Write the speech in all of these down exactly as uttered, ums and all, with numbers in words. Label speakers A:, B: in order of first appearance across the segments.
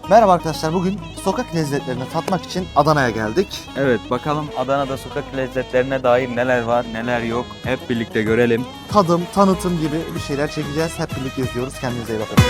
A: Merhaba arkadaşlar, bugün sokak lezzetlerini tatmak için Adana'ya geldik.
B: Evet, bakalım Adana'da sokak lezzetlerine dair neler var, neler yok. Hep birlikte görelim.
A: Tadım, tanıtım gibi bir şeyler çekeceğiz. Hep birlikte izliyoruz. Kendinize iyi bakın.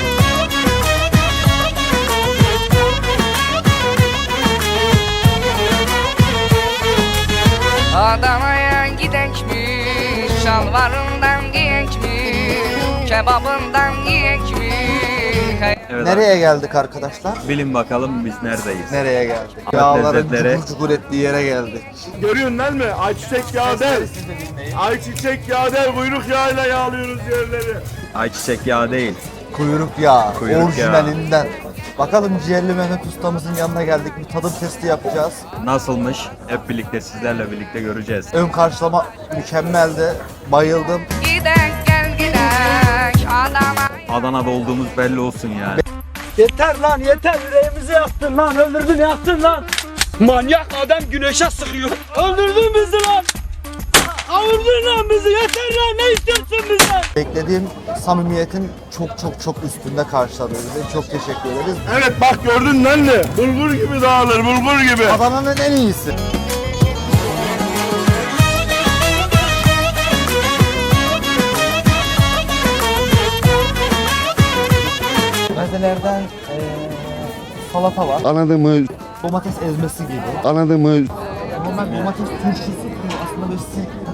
C: Adana'ya gidekmiş, şalvarından giyekmiş, kebabından yiyekmiş.
B: Evet,
A: Nereye geldik arkadaşlar?
B: bilin bakalım biz neredeyiz.
A: Nereye geldik?
B: Sokak
A: Yağların
B: lezzetleri.
A: cukur cukur ettiği yere geldik.
D: Görüyorsun değil mi? Ayçiçek yağı der. Ayçiçek yağı der. Kuyruk yağıyla yağlıyoruz yerleri.
B: Ayçiçek yağı değil.
A: Kuyruk yağı,
B: Kuyruk
A: orijinalinden. Bakalım ciğerli Mehmet ustamızın yanına geldik. Bir tadım testi yapacağız.
B: Nasılmış? Hep birlikte sizlerle birlikte göreceğiz.
A: Ön karşılama mükemmeldi. Bayıldım.
C: Gidek gel gidek Adana.
B: Adana'da olduğumuz belli olsun yani.
E: Yeter lan yeter, yüreğimizi yaktın lan, öldürdün yaktın lan. Manyak adam güneşe sıkıyor. Öldürdün bizi lan. Avurdun lan bizi, yeter lan, ne istiyorsun bizden?
A: Beklediğim samimiyetin çok çok çok üstünde karşıladı bizi. Çok teşekkür ederiz.
D: Evet bak gördün değil mi? Bulgur gibi dağılır, bulgur gibi.
A: Adana'nın en iyisi. Mezelerden eee salata var.
F: Anladın mı?
A: Domates ezmesi gibi.
F: Anladın mı?
A: Normal domates turşusu gibi aslında böyle sirke.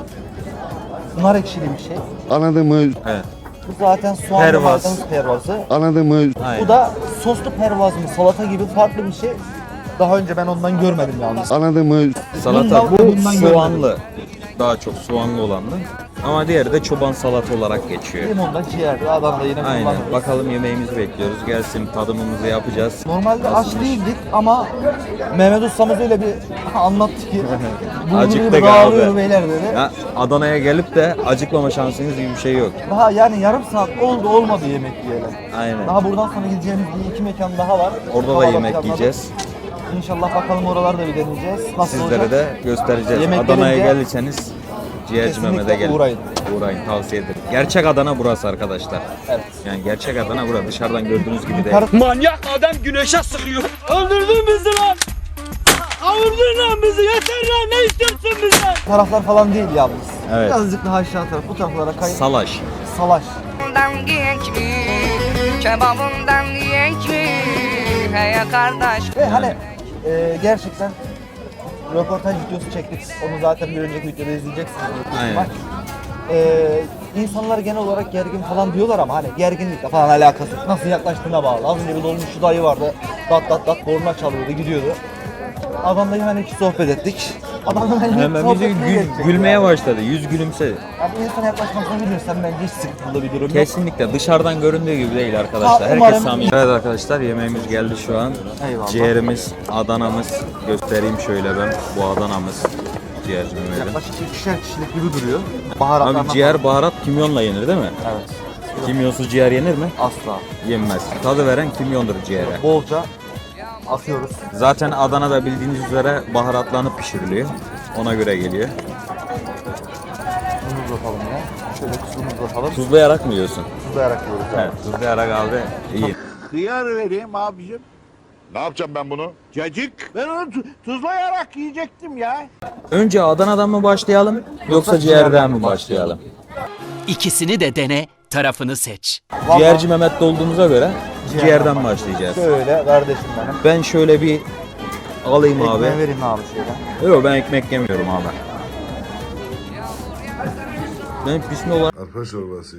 A: Nar ekşili bir şey.
F: Anladın mı?
B: Evet.
A: Bu zaten soğanlı
B: Pervaz.
A: maydanoz pervazı.
F: Anladın mı?
B: Aynen.
A: Bu da soslu pervaz mı, salata gibi farklı bir şey. Daha önce ben ondan görmedim yalnız.
F: Anladın mı?
B: Salata
A: Bundan-
B: bu
A: bundan
B: soğanlı. Daha çok soğanlı olanlı. Ama diğeri de çoban salata olarak geçiyor.
A: Limonda ciğerli, Adana'da yine
B: Aynen.
A: kullanırız.
B: Bakalım yemeğimizi bekliyoruz. Gelsin tadımımızı yapacağız.
A: Normalde aç
B: Nasılmış?
A: değildik ama Mehmet ustamız öyle bir anlattı ki
B: Acıktık
A: bulgur dağılıyor
B: abi.
A: beyler dedi.
B: Ya Adana'ya gelip de acıkmama şansınız gibi bir şey yok.
A: Daha yani yarım saat oldu olmadı yemek yiyelim.
B: Aynen.
A: Daha buradan sonra gideceğimiz bir iki mekan daha var.
B: Orada da
A: Havada
B: yemek
A: planladık.
B: yiyeceğiz.
A: İnşallah bakalım oraları da bir deneyeceğiz. Nasıl
B: Sizlere
A: olacak?
B: de göstereceğiz.
A: Yemek
B: Adana'ya
A: gelince
B: gelirseniz Ciğerci
A: kesinlikle
B: Mehmet'e gelin.
A: uğrayın.
B: Uğrayın, tavsiye ederim. Gerçek Adana burası arkadaşlar.
A: Evet.
B: Yani gerçek Adana burası. Dışarıdan gördüğünüz gibi değil.
A: Yukarı
E: Manyak adam güneşe sıkıyor. Öldürdün bizi lan. Avurdun lan bizi, yeter lan, ne istiyorsun bizden?
A: taraflar falan değil yalnız.
B: Evet.
A: Birazcık daha aşağı taraf. Bu taraflara kayın.
B: Salaş.
A: Salaş.
C: Kebabından giyekmiş, kebabından yiyekmiş. Hey kardeş.
A: Ve hani e, gerçekten röportaj videosu çektik. Onu zaten bir önceki videoda izleyeceksiniz. büyük ihtimal.
B: Aynen.
A: E, insanlar genel olarak gergin falan diyorlar ama hani gerginlikle falan alakası yok. Nasıl yaklaştığına bağlı. Az önce bir dolmuşçu dayı vardı. Dat dat dat korna çalıyordu, gidiyordu. Adamla hemen iki sohbet ettik. Adamla hemen,
B: Hemen bizi gül- gülmeye başladı. Yüz gülümsedi.
A: Yani insana yaklaşmasını bilirsen bence hiç sıkıntılı bir durum yok.
B: Kesinlikle dışarıdan göründüğü gibi değil arkadaşlar.
A: Ha,
B: Herkes
A: umarım-
B: samimi. Evet arkadaşlar, yemeğimiz geldi şu an.
A: Eyvallah.
B: Ciğerimiz, Adana'mız. Göstereyim şöyle ben. Bu Adana'mız. Ciğerci Mehmet'im.
A: Yaklaşık ikişer kişilik gibi duruyor. Baharatlarla
B: Abi ciğer baharat kimyonla yenir değil mi?
A: Evet.
B: Kimyonsuz ciğer yenir mi?
A: Asla.
B: Yenmez. Tadı veren kimyondur ciğere.
A: Bolca atıyoruz.
B: Zaten Adana'da bildiğiniz üzere baharatlanıp pişiriliyor. Ona göre geliyor.
A: Tuzumuzu atalım ya. Şöyle tuzumuzu atalım.
B: Tuzlayarak mı yiyorsun?
A: Tuzlayarak yiyoruz.
B: Evet, tuzlayarak abi iyi.
G: Hıyar vereyim abicim.
D: Ne yapacağım ben bunu?
G: Cacık. Ben onu tu- tuzlayarak yiyecektim ya.
B: Önce Adana'dan mı başlayalım yoksa ciğerden mi başlayalım?
H: İkisini de dene, tarafını seç.
A: Vallahi
B: Ciğerci Mehmet'te olduğumuza göre
A: Ciğerden
B: ciğerden başlayacağız.
A: Şöyle kardeşim benim.
B: Ben şöyle bir alayım abi.
A: Ekmeği vereyim abi şöyle.
B: Yok, ben ekmek yemiyorum abi. Ben bismillah
F: Arpa çorbası.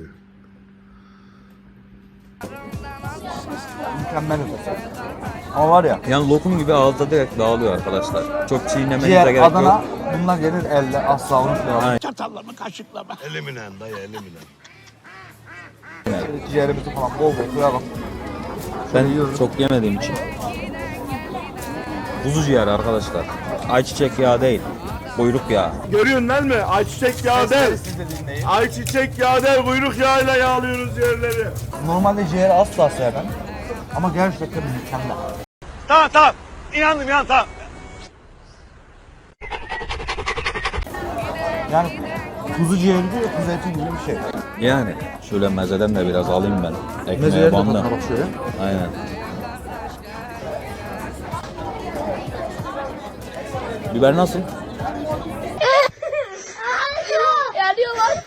A: Mükemmel ötesi. Ama var ya,
B: yani lokum gibi ağızda direkt dağılıyor arkadaşlar. Çok çiğnemenize
A: ciğer,
B: gerek
A: Adana
B: yok.
A: bunlar yenir elle, asla unutmayalım.
B: Aynen.
G: Çatalla mı kaşıkla mı?
F: Elimle dayı elimle.
A: Şöyle ciğerimizi falan bol bol koyalım.
B: Ben
A: yiyorum.
B: çok yemediğim için. Kuzu ciğer arkadaşlar. Ayçiçek yağı değil. Kuyruk yağı.
D: Görüyorsun değil mi? Ayçiçek yağı der. Ayçiçek yağı der. Kuyruk yağıyla yağlıyoruz yerleri.
A: Normalde ciğeri asla sevmem. Ama gerçekten mükemmel.
D: Tamam tamam. İnandım ya tamam.
A: Yani kuzu ciğeri değil, kuzu eti gibi bir şey.
B: Yani şöyle mezeden de biraz alayım ben. Ekmeğe
A: Mezeleri de
B: bandım.
A: tadına bak şöyle.
B: Aynen. Biber nasıl?
I: Yanıyorlar.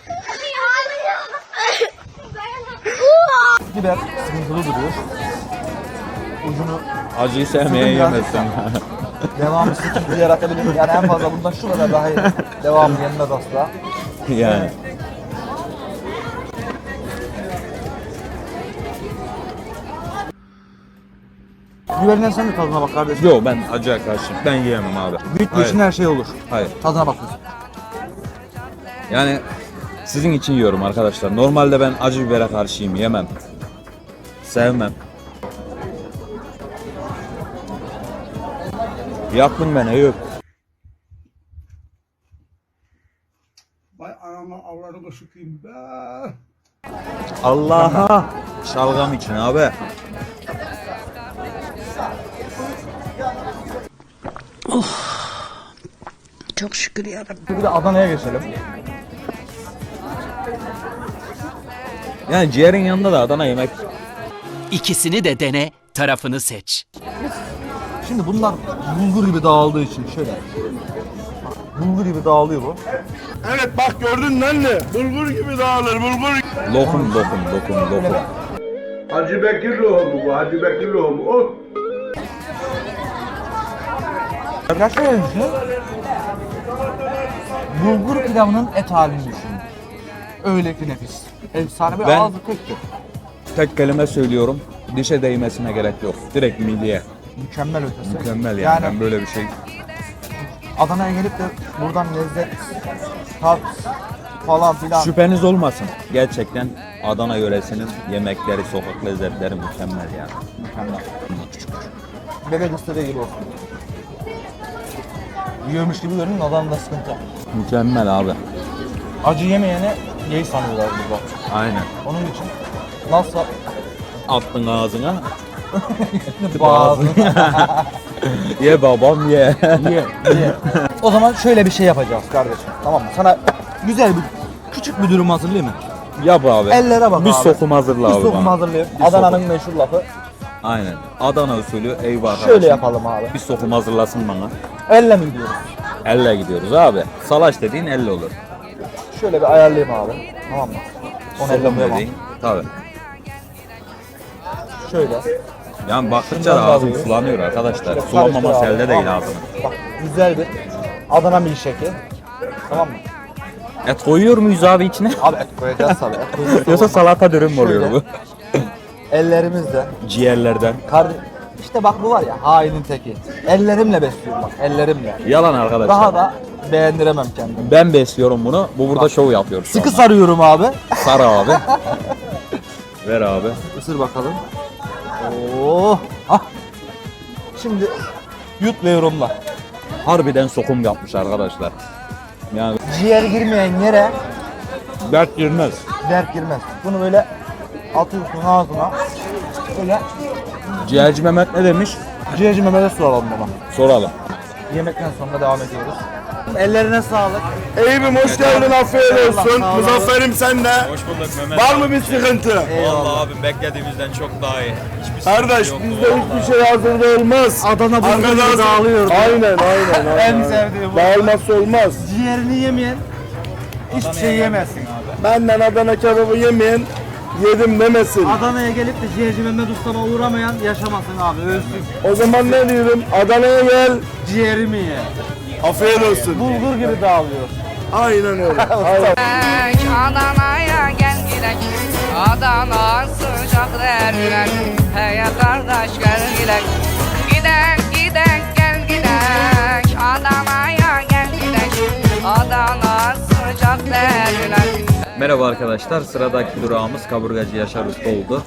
A: Biber sıkıntılı duruyor. Ucunu
B: Acıyı sevmeye
A: Sıkın ya.
B: yemezsin.
A: devamı sıkıntı yaratabilir. Yani en fazla bundan şu kadar daha iyi. Devamı yenmez asla.
B: Yani.
A: Biberinden sen de tadına bak kardeşim.
B: Yo ben acıya karşıyım. Ben yiyemem abi.
A: Büyük
B: Hayır.
A: için her şey olur.
B: Hayır.
A: Tadına bakıyorsun.
B: Yani sizin için yiyorum arkadaşlar. Normalde ben acı bibere karşıyım. Yemem. Sevmem. Yaktın beni yok.
G: Vay anama avradımı sıkayım be.
B: Allah'a. Şalgam için abi.
I: Çok şükür yarabbim.
A: Bir de Adana'ya geçelim.
B: Yani ciğerin yanında da Adana yemek.
H: İkisini de dene, tarafını seç.
A: Şimdi bunlar bulgur gibi dağıldığı için şöyle. Bak, bulgur gibi dağılıyor bu.
D: Evet bak gördün mü anne? Bulgur gibi dağılır bulgur.
B: Lokum lokum lokum lokum.
F: Hacı Bekir lohumu bu. Hacı Bekir lohumu. Oh.
A: Ya şöyle düşünün. Bulgur pilavının et halini düşünün. Öyle ki nefis. Efsane bir
B: Ben-
A: ağzı tektir.
B: Tek kelime söylüyorum. Dişe değmesine gerek yok. Direkt midye.
A: Mükemmel ötesi.
B: Mükemmel yani.
A: Yani
B: Ben böyle bir şey.
A: Adana'ya gelip de buradan lezzet, tat falan filan.
B: Şüpheniz olmasın. Gerçekten Adana yöresinin yemekleri, sokak lezzetleri mükemmel yani.
A: Mükemmel. Bebek istediği gibi olsun. Yiyormuş gibi görünün, Adana'da sıkıntı.
B: Mükemmel abi.
A: Acı yemeyeni gay sanıyorlar burada.
B: Aynen.
A: Onun için nasıl
B: Attın ağzına.
A: bazı
B: Ye babam ye.
A: ye, ye. O zaman şöyle bir şey yapacağız kardeşim. Tamam mı? Sana güzel bir küçük bir durum hazırlayayım mı?
B: Yap abi.
A: Ellere bak
B: Bir
A: abi.
B: sokum hazırla
A: Bir
B: abi
A: sokum
B: bana.
A: hazırlayayım.
B: Bir
A: Adana'nın
B: sokum.
A: meşhur lafı.
B: Aynen. Adana usulü eyvah arkadaşım.
A: Şöyle yapalım abi.
B: Bir sokum hazırlasın bana.
A: Elle mi gidiyoruz?
B: Elle gidiyoruz abi. Salaş dediğin elle olur.
A: Şöyle bir ayarlayayım abi. Tamam mı? Onu elle
B: Sokum
A: koyamam.
B: dediğin. Tabii.
A: Şöyle.
B: Yani baktıkça
A: Şundan
B: da
A: da
B: ağzım
A: alıyoruz.
B: sulanıyor arkadaşlar.
A: Şöyle
B: Sulanmaması
A: karıştır abi.
B: elde değil
A: Tamam.
B: ağzım.
A: Bak güzel bir Adana milkshake'i. Tamam mı?
B: Et koyuyor muyuz abi içine?
A: Abi et koyacağız tabii. Et koyacağız.
B: Yoksa salata dürüm mü oluyor
A: Şöyle.
B: bu?
A: Ellerimizle.
B: Ciğerlerden.
A: Kardeş, işte bak bu var ya hainin teki. Ellerimle besliyorum bak ellerimle.
B: Yalan arkadaşlar.
A: Daha da beğendiremem kendimi.
B: Ben besliyorum bunu. Bu burada şov yapıyor şu
A: Sıkı
B: anda.
A: sarıyorum abi.
B: Sar abi. Ver abi.
A: Isır bakalım. Oo. Hah. Şimdi yut ve yorumla.
B: Harbiden sokum yapmış arkadaşlar. Yani
A: Ciğer girmeyen yere
B: dert girmez.
A: dert girmez. Bunu böyle atıyorsun ağzına. Böyle
B: Ciğerci Mehmet ne demiş?
A: ciğerci Mehmet'e soralım baba.
B: Soralım.
A: Yemekten sonra devam ediyoruz. Ellerine sağlık.
D: Eyüp'üm hoş geldin afiyet olsun.
A: sağ ol.
D: Muzaffer'im sen de.
B: Hoş bulduk Mehmet.
D: Var mı bir sıkıntı?
B: Vallahi abim beklediğimizden çok daha iyi. Hiçbir
D: Kardeş bizde hiçbir şey hazırda olmaz.
A: Adana bulgur gibi
D: Arkadaş-
A: dağılıyor.
D: Aynen aynen. aynen.
A: En sevdiğim bu.
D: Dağılmazsa olmaz.
A: Ciğerini yemeyen hiçbir şey yemezsin.
D: Benden Adana kebabı yemeyen yedim demesin.
A: Adana'ya gelip de ciğerci Mehmet Usta'ma uğramayan yaşamasın abi, ölsün.
D: O zaman ne diyorum? Adana'ya gel.
A: Ciğerimi ye.
D: Afiyet olsun.
A: Bulgur gibi dağılıyor.
D: Aynen öyle. Aynen.
C: Adana'ya gel gidek. Adana sıcak derler. Hey kardeş gel gidek. Gidek gidek gel gidek. Adana'ya gel gidek. Adana sıcak derler.
B: Merhaba arkadaşlar. Sıradaki durağımız kaburgacı Yaşar Usta oldu.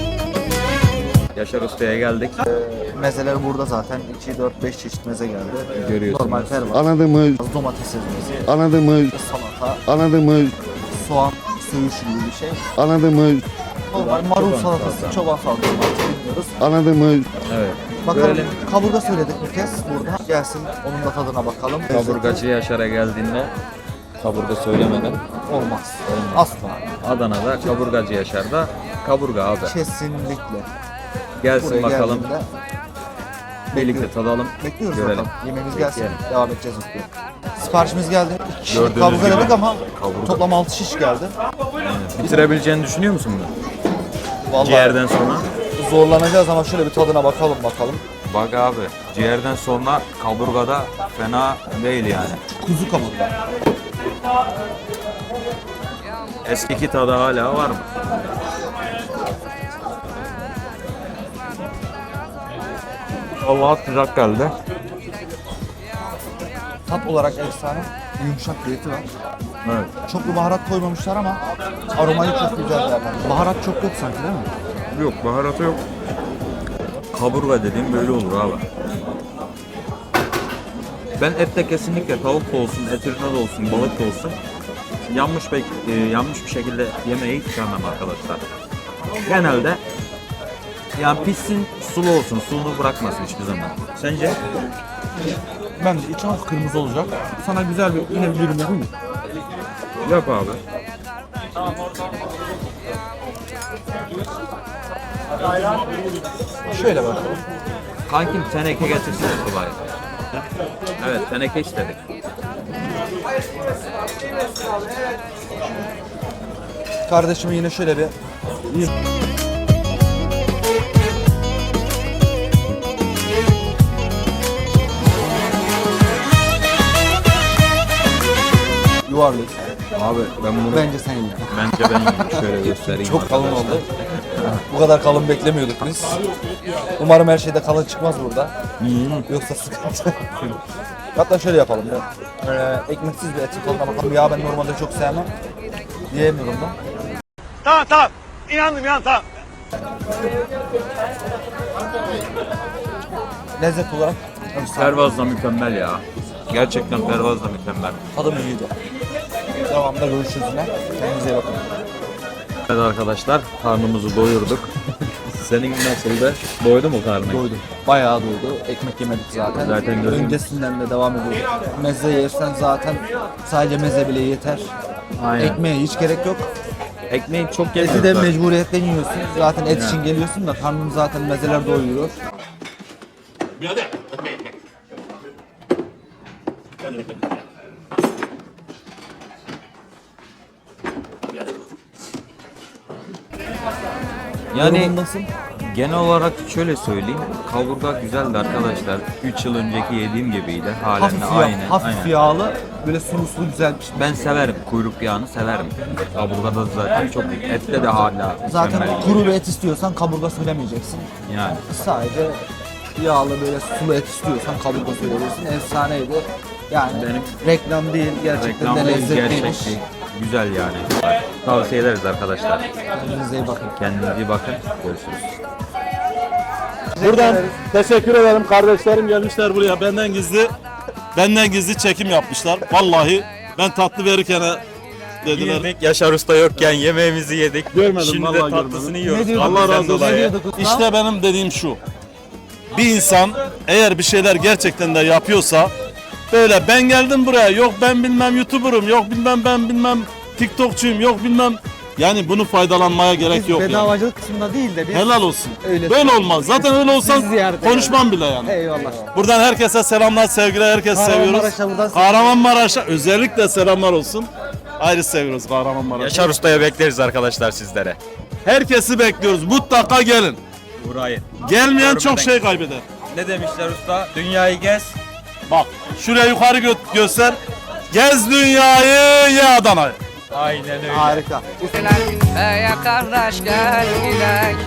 B: Yaşar Usta'ya geldik.
A: Mezeler burada zaten. iki, dört, beş çeşit meze geldi.
B: Görüyorsunuz.
A: Normal ferva,
F: Anladın mı?
A: domates ezmesi,
F: Anladın mı?
A: salata,
F: Anladın mı?
A: soğan, söğüş gibi bir şey.
F: Anladın mı?
A: Normal marul salatası, çoban salatası bilmiyoruz.
F: Anladın mı?
B: Evet.
A: Bakalım
B: Görelim.
A: kaburga söyledik bir kez burada. Gelsin onun da tadına bakalım.
B: Kaburgacı Yaşar'a geldiğinde kaburga söylemeden
A: Olmaz. Asla.
B: Adana'da kaburgacı Yaşar'da kaburga abi.
A: Kesinlikle.
B: Gelsin
A: Buraya
B: bakalım.
A: geldiğinde
B: birlikte tadalım.
A: Bekliyoruz
B: Görelim.
A: bakalım. Yemeğimiz gelsin.
B: Bekleyelim.
A: Devam edeceğiz mutlu. Siparişimiz geldi. İki kişilik
B: Gördüğünüz
A: kaburga
B: gibi
A: dedik ama
B: kaburga.
A: toplam altı şiş geldi.
B: Bitirebileceğini düşünüyor musun bunu?
A: Vallahi
B: Ciğerden sonra?
A: zorlanacağız ama şöyle bir tadına bakalım bakalım.
B: Bak abi, ciğerden sonra kaburgada fena değil yani.
A: Kuzu kaburga.
B: Eskiki tadı hala var mı? Allah sıcak geldi.
A: Tat olarak efsane. Yumuşak bir eti var.
B: Evet.
A: Çok bir baharat koymamışlar ama aromayı çok güzel vermiş. Baharat çok yok sanki değil mi?
B: Yok, baharatı yok. Kaburga dediğim böyle olur abi. Ben ette kesinlikle tavuk da olsun, et ürünü de olsun, balık da olsun yanmış, be, e, yanmış bir şekilde yemeği hiç sevmem arkadaşlar. Genelde yani pişsin, sulu olsun, suyunu bırakmasın hiçbir zaman. Sence?
A: Bence içi hafif kırmızı olacak. Sana güzel bir yine bir dürüm yapayım mı?
B: Yap abi.
A: Şöyle bakalım.
B: Kankim teneke getirsene kolay. Evet, teneke istedik.
A: Kardeşime yine şöyle bir yuvarlak.
B: Abi ben bunu
A: Bence sen ye.
B: bence ben yiyeyim. Şöyle göstereyim.
A: Çok kalın
B: arkadaşlar.
A: oldu. Bu kadar kalın beklemiyorduk biz. Umarım her şeyde kalın çıkmaz burada. Yoksa sıkıntı. Hatta şöyle yapalım. Ya. Ee, ekmeksiz bir etin tadına bakalım. Ya ben normalde çok sevmem. Diyemiyorum da.
E: Tamam tamam. İnandım ya tamam.
A: Lezzet olarak efsane.
B: Pervaz da mükemmel ya. Gerçekten pervaz da mükemmel.
A: Tadım iyiydi. Devamında görüşürüz yine. Kendinize iyi bakın.
B: Evet arkadaşlar, karnımızı doyurduk. Senin nasıldı? Doydu mu karnın?
A: Doydu. Bayağı doydu. Ekmek yemedik zaten.
B: Zaten gördüm.
A: Öncesinden de devam ediyoruz. Meze yersen zaten sadece meze bile yeter.
B: Aynen.
A: Ekmeğe hiç gerek yok.
B: Ekmeği çok
A: Eti
B: yemiyoruz
A: de
B: zaten.
A: mecburiyetten yiyorsun. Zaten et
B: Ya.
A: için geliyorsun da karnın zaten mezeler doyuruyor.
B: Yani
A: Yorumundasın.
B: genel olarak şöyle söyleyeyim. Kaburga güzeldi arkadaşlar. üç yıl önceki yediğim gibiydi. Halen
A: Hafif,
B: de
A: yağ,
B: aynı.
A: hafif
B: aynen.
A: yağlı, böyle sulu sulu güzel bir şey.
B: Ben severim. Kuyruk yağını severim. Kaburgada zaten çok. Ette de hala
A: Zaten
B: mükemmel
A: kuru
B: gibi.
A: bir et istiyorsan kaburga söylemeyeceksin.
B: Yani.
A: Sadece yağlı böyle sulu et istiyorsan kaburga söyleyebilirsin. Efsaneydi. Yani
B: Benim-
A: reklam değil, gerçekten
B: Reklam
A: de
B: değil,
A: lezzetliymiş.
B: gerçek. Güzel yani. Tavsiye ederiz arkadaşlar.
A: Kendinize iyi bakın.
B: Kendinize iyi bakın. Görüşürüz.
D: Buradan teşekkür ederim, kardeşlerim gelmişler buraya benden gizli benden gizli çekim yapmışlar. Vallahi ben tatlı verirken dediler.
B: Yaşar Usta yokken yemeğimizi yedik.
D: Görmedim,
B: Şimdi
D: vallahi
B: de tatlısını
D: görmedim.
B: yiyoruz.
A: Ne diyorduk?
D: Allah
B: Bizden
D: razı olsun.
B: dolayı.
A: Ne diyorduk usta?
D: İşte benim dediğim şu. Bir insan eğer bir şeyler gerçekten de yapıyorsa böyle ben geldim buraya yok ben bilmem YouTuber'ım yok bilmem ben bilmem TikTokçuyum yok bilmem yani bunu faydalanmaya gerek
A: Biz
D: yok yani.
A: bedavacılık kısmında değil de biz
D: Helal olsun.
A: Öyle.
D: Böyle olmaz. Zaten öyle olsan
A: Sizi ziyaret
D: konuşmam bile yani.
A: Eyvallah.
D: Buradan herkese selamlar, sevgiler, herkes seviyoruz.
A: Kahramanmaraş'a buradan
D: Kahramanmaraş'a özellikle selamlar olsun. Ayrı seviyoruz Kahramanmaraş'ı.
B: Yaşar Usta'ya bekleriz arkadaşlar sizlere.
D: Herkesi bekliyoruz. Mutlaka gelin.
B: Burayı.
D: Gelmeyen
B: Görmeden.
D: çok şey kaybeder.
B: Ne demişler usta? Dünyayı gez.
D: Bak şuraya yukarı gö- göster. Gez dünyayı, ye Adana'yı.
B: Aynen öyle.
A: harika.
C: Ey kardeş gel gidek.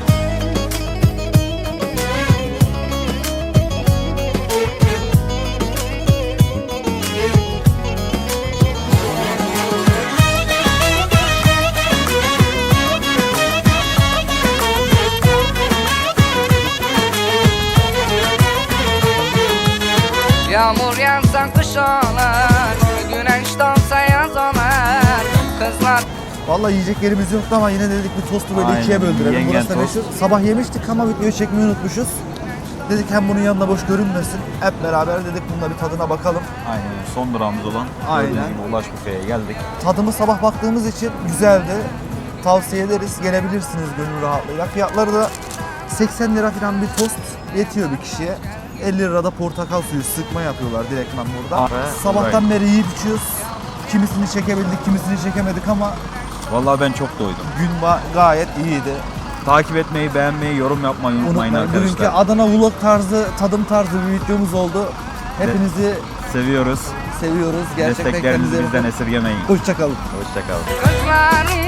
C: Yağmur yağsa kış olur, güneş doğsa yaz olur. Kızlar
A: Vallahi yiyecek yerimiz yoktu ama yine dedik bir tostu böyle
B: Aynen,
A: ikiye böldürelim.
B: yengen
A: Burası da
B: tost.
A: meşhur. Sabah yemiştik ama videoyu çekmeyi unutmuşuz. Dedik hem bunun yanında boş görünmesin. Hep beraber dedik bunda bir tadına bakalım.
B: Aynen son durağımız olan
A: Aynen.
B: gördüğünüz gibi Ulaş Büfe'ye geldik.
A: Tadımı sabah baktığımız için güzeldi. Tavsiye ederiz. Gelebilirsiniz gönül rahatlığıyla. Fiyatları da seksen lira falan bir tost yetiyor bir kişiye. elli lirada portakal suyu sıkma yapıyorlar direktman burada.
B: Abi,
A: Sabahtan beri yiyip içiyoruz. Kimisini çekebildik, kimisini çekemedik ama
B: Vallahi ben çok doydum.
A: gün ba- gayet iyiydi.
B: Takip etmeyi, beğenmeyi, yorum yapmayı unutmayın
A: Unutmayın. Bugünkü
B: arkadaşlar.
A: Adana vlog tarzı, tadım tarzı bir videomuz oldu. Hepinizi
B: Seviyoruz.
A: seviyoruz. Gerçekten
B: Desteklerinizi
A: kendinize
B: bizden
A: bakın.
B: esirgemeyin.
A: Hoşça kalın.
B: Hoşçakalın.
C: Kızların